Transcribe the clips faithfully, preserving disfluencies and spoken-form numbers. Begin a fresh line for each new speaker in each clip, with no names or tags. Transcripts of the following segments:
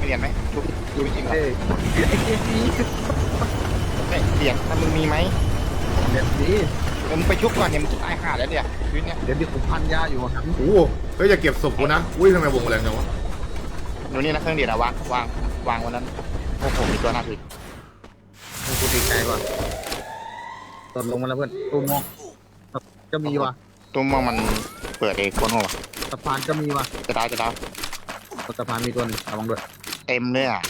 เหรียญไหมชุบดูจริงเหรอ
เอ้ยไอ้เกมนี้
ไม่เหรียญถ้ามึงมีไหม
เดี๋ยวนี้
เดี๋ยวมึงไปชุบก่อนเนี่ยมึงจะตายห่าแล้วเนี่ยชีวิตเนี่ย
เดี๋ยวนี้ผมพันยาอยู่ครับ
โอ้โหเฮ้ยอย่าเก็บศพกูนะอุ้ยทำไมวงแรงจังวะ
ดูนี่นะเครื่องเดียดอะวางวางวางวันนั้นโอ้โหมีตัวหน้าพี่
กูดีใจว่ะตดลงมาแล้วเพื่อนตุ้มมองก็มีว่ะ
ตุ้มมองมันเปิดเองคนหัว
สะพานก็มีว่ะ
จะดาวจะดาว
สะพานมีตัวนึงระวังด้วย
เต็มเลยอ่ะ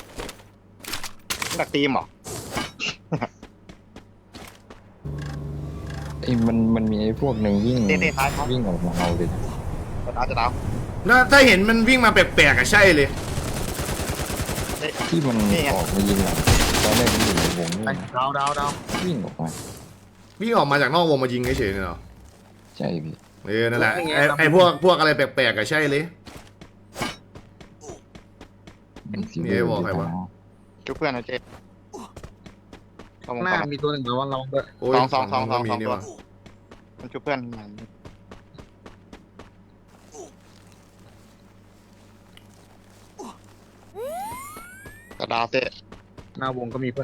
ดักตีมเหรอ
ไอ้มันมันมีไอ้พวกหนึ่งวิ่ง
เต้เต้ท้ายเขา
วิ่งออกมาเอาเลย
จะดาวจะดาว
น่าถ้าเห็นมันวิ่งมาแปลกๆอะใช่เลย
ที่มันออกมายิงหลังตอนแรกมันอยู่ในวงนี่
ไปดาวดาวดาว
วิ่งออกมา
วิ่งออกมาจากนอกวงมายิงเฉยๆเนี่ยเหรอ
ใช่พี่
เออนั่นแหละไอ้ไอ้พวกพวกอะไรแปลกๆอะใช่เลย
เป็นซี
นี่ไอ้บอกใครวะ
ชุบเพื่อนนะเจ๊เข้าวง
หน้า
ก่อน
มีตัวหนึ่งระวังระวังด้วย
โอ้ย
สองสองสอง
ก็มี
สอง
นี่
ตัว
ว่ะ
มันชุบเพื่อนจะดาวเต้
หน้าวงก็มีเพื่อน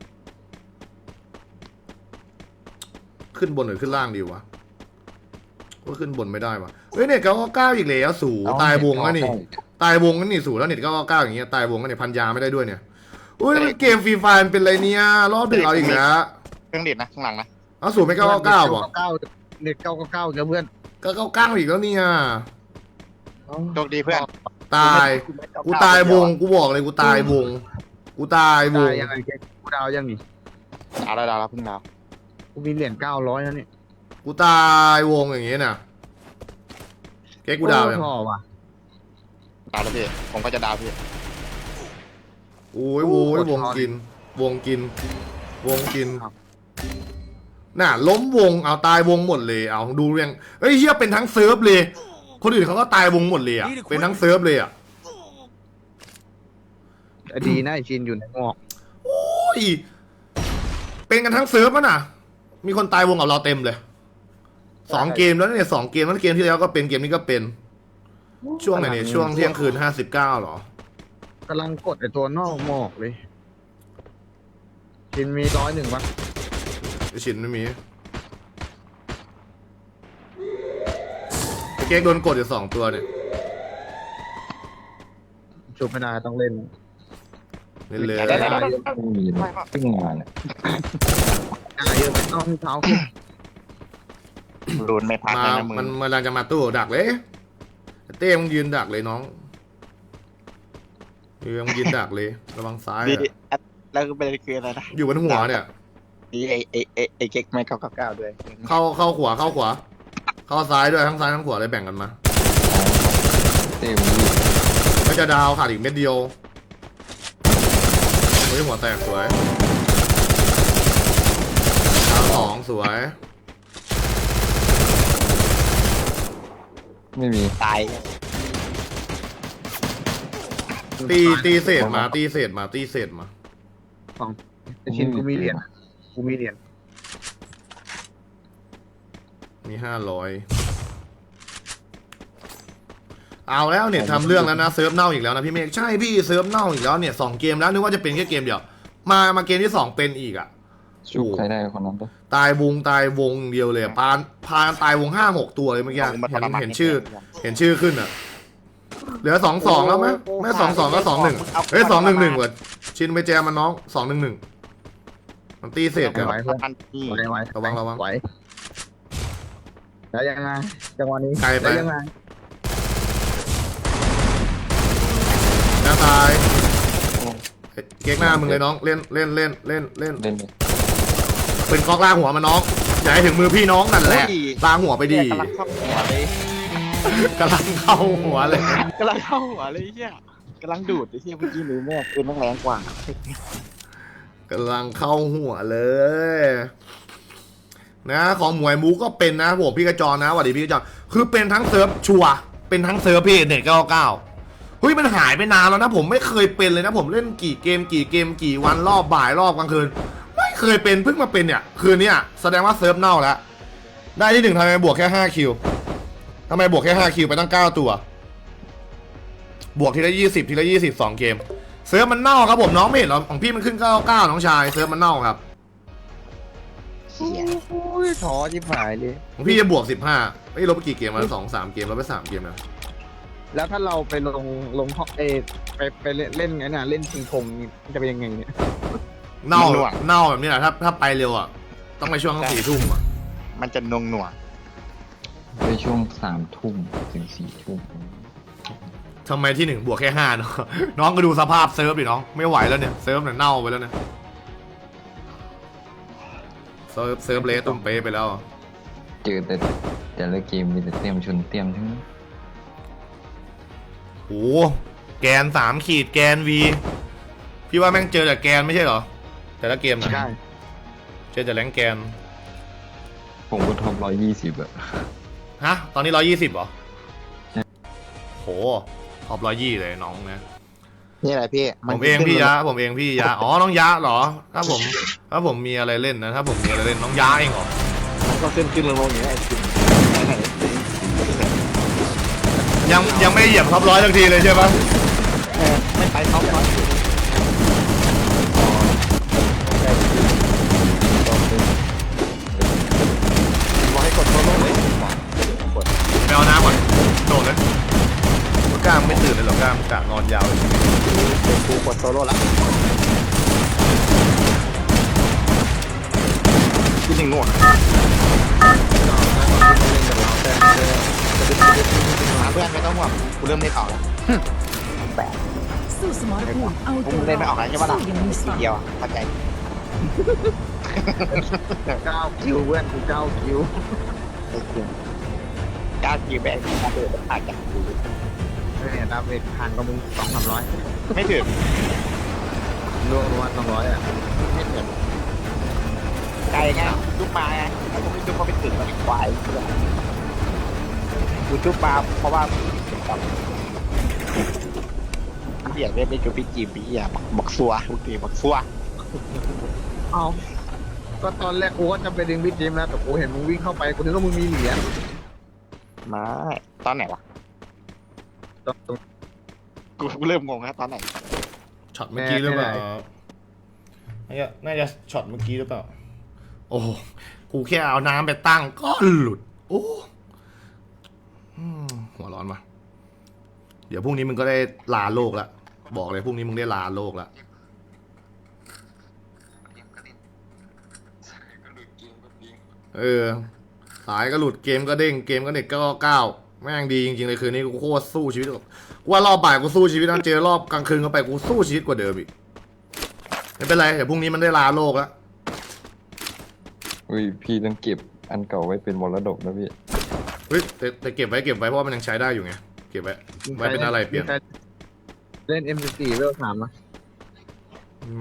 ขึ้นบนหรือขึ้นล่างดีวะก็ขึ้นบนไม่ได้วะเฮ้ยเน็ตเก้าเก้าอีกแล้วสู่ตายวงแล้วนี่ตายวงแล้วนี่สู่แล้วเน็ตเก้าเก้าอย่างเงี้ยตายวงแล้วเนี่ยพันยาไม่ได้ด้วยเนี่ยอุ้ยมันเกมฟรีไฟร์เป็นไรเนี่ยรอบดึกเอาอีกแล้ว
เครื่องเดียดนะข้างหลังนะ
เอาสู่ไม่เก้าเก้าบอก
เก้าเน็ตเก้าเก้าเก้าเพื่อน
ก็เก้าเก้าอีกแล้วเนี่ย
โชคดีเพื่อน
ตายกูตายวงกูบอกเลยกูตายวงกูตายวง
ยังไงเก๊กูดาวยังนี่
ดาวแล้วดาวแล้วเพิ่งดาว
กูมีเหรียญเก้าร้อยแล้วนี่
กูตายวงอย่างเงี้ยน่ะเก๊กกูดาวยัง
พอว่ะ
ดาวแล้วพี่ผมก็จะดาวพี่
โอ้ยโว้ยวงกิน วงกิน วงกินน่ะล้มวงเอาตายวงหมดเลยเอาดูเรียงเฮ้ยเฮียเป็นทั้งเซิร์ฟเลยคนอื่นเขาก็ตายวงหมดเลยอ่ะเป็นทั้งเซิร์ฟเลยอ่ะ
ดีนะไอชินอยู่ในงอก
โอ้ยเป็นกันทั้งเซิร์ฟมั้น่ะ มีคนตายวงกับเราเต็มเลยสองเกมแล้วเนี่ยสองเกมแล้วเกมที่แล้วก็เป็นเกมนี้ก็เป็นช่วงไหนเนี่ยช่วงเที่ยงคืนห้าสิบเก้าหรอก
ำลังกดไอตัวนอกหมอกเลยชินมีร้อยหนึ่งวะ
ไอ้ชินไม่มีไอ้เก๊กโดนกดอยู่สองตัวเนี่ย
ชุบไม่ได้ต้องเล่น
เล่นเลย
ได้ได้ได้
ไม่มีเลยตึ้งมาเนี่ย
อ่าเยอะต้องเท้าขึ้น
รุนไม่พัก
มา
เลยนะมึง
มันมันกำลังจะมาตู้ดักเลยเต้มึงยืนดักเลยน้องเออมึงยืนดักเลยระวังซ้าย
ดี
อะ
แล้วก็เป็นคืออะไรนะ
อยู่บนหัวเนี่ย
ดีไอไอไอไอเก๊กไม่เก้าเก้าเก้าด้วย
เข้าเข้าขวาเข้าขวา เข้าซ้ายด้วยทั้งซ้ายทั้งขวาเลยแบ่งกันมา
เต้มันวิ่ง
ก็จะดาวขาดอีกเม็ดเดียวเฮ้ยหัวแตกสวยดาวสองสวย
ไม่มี
ตาย
ตีตีเศษมาตีเศษมาตีเศษมา
ไอชินกูมีเหรียญกูมีเหรียญ
มีห้าร้อยเอาแล้วเนี่ยทำเรื่องแล้วนะเซิร์ฟเน่าอีกแล้วนะพี่เมฆใช่พี่เซิร์ฟเน่าอีกแล้วเนี่ยสองเกมแล้วนึกว่าจะเป็นแค่เกมเดียวมามาเกมที่สองเป็นอีกอ่ะ
ชุบใครได้คนนั้นปะ
ตายวงตายวงเดียวเลยอะพานพานตายวงห้าหกตัวเลยเมื่อกี้เห็นเห็นชื่อ เห็นชื่อขึ้นอ่ะ เหลือสองสองแล้วไหมไม่สองสองก็สองหนึ่งเฮ้ยสองหนึ่งหนึ่งว่ะชินไปแจมมันน้องสองหนึ่งหนึ่งมันตีเศษกัน
ไหวเพื่อน
อันที่
ไหวไหว
ระวังระวัง
ไหวแล้วยังไงจังหวะนี้
ไกลไป
แล้วยังไง
หน้าตายเก๊กหน้ามึงเลยน้องเล่นเล่นเล่นเล่นเล่น
เล่นเลย
เป็นกอกล่างหัวมันน้องอย่าให้ถึงมือพี่น้องนั่นแหละล่างหัวไปดี
กำลังเข้าหัวเลย
กำลังเข้าหัวเลย
กำลังเข้าหัวเลยเฮียกำลังดูดไอ้เฮียเมื่อกี้หรือแม่ปืนแม่งแรงกว่า
กำลังเข้าหัวเลยนะของหมวยมูก็เป็นนะผมพี่กระจรนะสวัสดีพี่กระจรคือเป็นทั้งเซิร์ฟชัวร์เป็นทั้งเซิร์ฟพี่เน็ตเก้าเก้าเฮ้ยมันหายไปนานแล้วนะผมไม่เคยเป็นเลยนะผมเล่นกี่เกมกี่เกมกี่วันรอบบ่ายรอบกลางคืนไม่เคยเป็นเพิ่งมาเป็นเนี่ยคืนนี้แสดงว่าเซิร์ฟเน่าแล้วได้ที่หนึ่งทำไมบวกแค่ห้าคิวทำไมบวกแค่ห้าคิวไปตั้งเก้าตัวบวกทีละยี่สิบทีละยี่สิบสองเกมเซิร์ฟมันเน่าครับผมน้องไม่เห็นหรอของพี่มันขึ้นเก้าเก้าน้องชายเซิร์ฟมันเน่าครับ
เชี่ยโอ้ยท้อชิบหายเลย
ของพี่จะบวกสิบห้าไม่ลบไปกี่เกมมาสองสามเกมลบไปสามเกมนะ
แล้วถ้าเราไปลงลงห้องเอไปไปเล่นเล่นไงน่ะเล่นชิงธงมันจะเป็นยังไงเนี่ย
เน่าเน่าแบบนี้แหละถ้าถ้าไปเร็วอ่ะต้องไปช่วงสี่ทุ่มอ่ะ
มันจะนงหน่วง
ในช่วงสามทุ่มถึงสี่ทุ่ม
ทำไมที่หนึ่งบวกแค่ห้าเนาะ น้องก็ดูสภาพเซิร์ฟดิน้องไม่ไหวแล้วเนี่ยเซิร์ฟเนี่ยเน่าไปแล้วเนี่ยเซิร์ฟเซิร์ฟเลสตุ้มเป๊ะไปแล้ว
เจอแต่แต่ละเกมมีแต่เตรียมชนเตรียมทั้งนั้น
โอ้แกนสามขีดแกนวีพี่ว่าแม่งเจอแต่แกนไม่ใช่เหรอแต่ละเกมนะ
ใช่
เจอแต่แรงแกน
ผมก็ท็อปร้อยยี่สิบอะ
ฮะตอนนี้ร้อยยี่สิบเหรอโหท็อปร้อยยี่เลยน้องนะ
นี่แหละพี่
ผมเองพี่ยะผมเองพี่ยะอ๋อน้องยะเหรอถ้าผมถ้าผมมีอะไรเล่นนะถ้าผมมีอะไรเล่นน้องยะเองเหรอ
ก็ขึ้นขึ้นลงลงอย่างนี้ไอ้จริง
ยังยังไม่เหยียบท็อปร้อยทันทีเลยใช่ปะ
ไม่ไปท็อปร้อยบอกให้กดโซโล่เลย
ไปเอาน้ำก่อนโดดเลยกล้ามไม่ตื่นเลยเหรอกล้ามกะนอนยาวเลย
เป็นกูกดโซโล่ละที่หนึ่งง่วงเพื่อนไม่ต้องห่วงกูเริ่มเล่นออกแล้วแปด
สู้สมรภูมิเอา
กู
ตัว
เล่นไม่ออกแล้วใช่ปะล่ะ
สู้อย่างมีส
ที
ติ
เดียวอ่ะเข้าใจ
เก้าคิวเพื่อนกูเก้าคิว
ก้าวคิวแบกก้าวเดินผ่านจากกู
เนี่ยดาเมจผ่านกับมึงสองสามร้อย
ไม่ถึง
รวมรวมสองร้อยอ่ะ
ไม่ถึงไกลไงลูกมาไงแล้วก็ไม่ลูกก็ไม่ถึงแล้วควายกูจุ๊บปลาเพราะว่าเบียดไม่ไปจุ๊บพี่จีบพี่อ่ะบักซัวทุกทีบักซัว
เอาก็ตอนแรกกูก็จะไปดึงวิดจิมแล้วแต่กูเห็นมึงวิ่งเข้าไปกูนึกว่ามึงมีเหรียญ
ไม่ตอนไหนวะ
ตอนตรง
กูเริ่มงงแล้วตอนไหน
ช็อตเมื่อกี้หรือเปล่า
แน่
น่าจะน่าจะช็อตเมื่อกี้หรือเปล่าโอ้โหกูแค่เอาน้ำไปตั้งก็หลุดโอ้อืมหัวร้อนว่ะเดี๋ยวพรุ่งนี้มึงก็ได้ลาโลกละบอกเลยพรุ่งนี้มึงได้ลาโลกละเออสายก็หลุดเกมก็เด้งเกมก็เน็ตก็เก้าแม่งดีจริงๆเลยคืนนี้กูโคตรสู้ชีวิตกูว่ารอบบ่ายกูสู้ชีวิตนะเจอรอบกลางคืนเข้าไปกูสู้ชีวิตกว่าเดิมอีกไม่เป็นไรเดี๋ยวพรุ่งนี้มันได้ลาโลกแล้ว
อุ้ยพี่ต้องเก็บอันเก่าไว้เป็นมรดกนะพี่
เฮ้ยแต่แต่เก็บไว้เก็บไว้เพราะว่ามันยังใช้ได้อยู่ไงเก็บไว้ไว้เป็นอะไรเปลี่ยน
เล่น เอ็ม สี่ เวลสามนะ
ไม่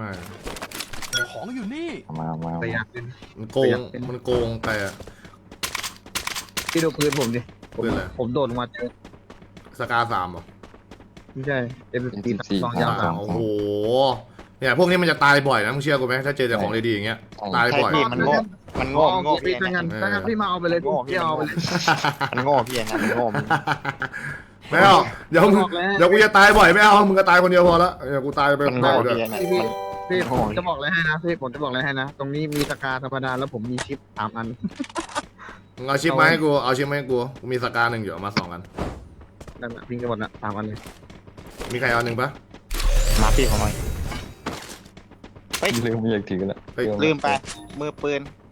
มามา
แต่อ
มา
ยากเป็น
มันโกงมันโกงแต่
พี่ดูพื้นผมดิผม
พื้นอะไร
ผมโดดลงมาเจอ
สกาสามเหรอ
ไม่ใช่ เอ็ม สี่
สี่
สองยาวสาม
โอ้โหเนี่ยพวกนี้มันจะตายบ่อยนะมึงเชื่อกูไหมถ้าเจอแต่ของดีๆอย่างเงี้ยตาย
ใช่
บ่อย
พี่มันโง่มันโง่มันโง่
พี่
พี่
ถ้างั้น
เออ
ถ้างั้นพี่มาเอาไปเลยพี่เอาไปเลย
มันโง่พี่อย่างนั้นมันโง่มัน
ไม่เอาเดี๋ยวมึง
บอกแล้ว
เดี๋ยวกูจะตายบ่อยไม่เอามึงก็ตายคนเดียวพอละเดี๋ยวกูตายไป
มัน
บ่
โง่
อยด้วย
พี่อย่างนั้น
พี่พี่ผมจะบอกอะไรให้นะพี่ผมจะบอกอะไรให้นะ ตรงนี้มีสกาธรรมดาแล้วผมมีชิปสามอัน
มึงเอาชิปมาให้กูเอาชิปมาให้กูกูมีสกาหนึ่งอยู่เอามาสองอัน
นั่นแหละพิงกันหมดนะสามอันเลย
มีใครเอาหนึ่งปะ
มาพี่ของหน่อย
พี่ลืมไม่อยากถือละ
เฮ้ย
ลืมไปมือปืน